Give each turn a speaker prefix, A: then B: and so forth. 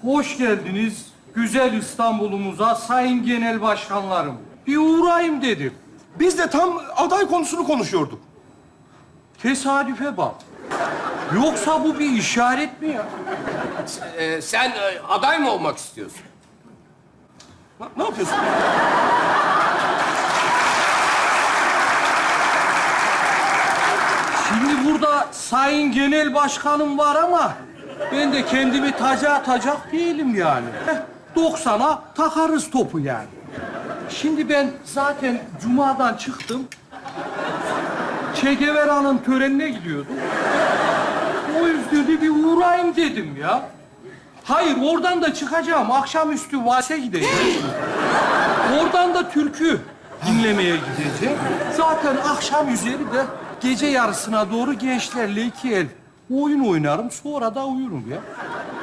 A: Hoş geldiniz güzel İstanbul'umuza sayın genel başkanlarım. Bir uğrayayım dedim.
B: Biz de tam aday konusunu konuşuyorduk.
A: Tesadüfe bak. Yoksa bu bir işaret mi ya?
C: Sen aday mı olmak istiyorsun?
B: Ne yapıyorsun?
A: Şimdi burada sayın genel başkanım var ama ben de kendimi taca atacak değilim yani. 90'a takarız topu yani. Şimdi ben zaten Cuma'dan çıktım. Che Guevara'nın törenine gidiyordum. O yüzden de bir uğrayayım dedim ya. Hayır, oradan da çıkacağım. Akşamüstü valse gideceğim. Oradan da türkü dinlemeye gideceğim. Zaten akşam üzeri de gece yarısına doğru gençlerle 2 el oyun oynarım. Sonra da uyurum ya.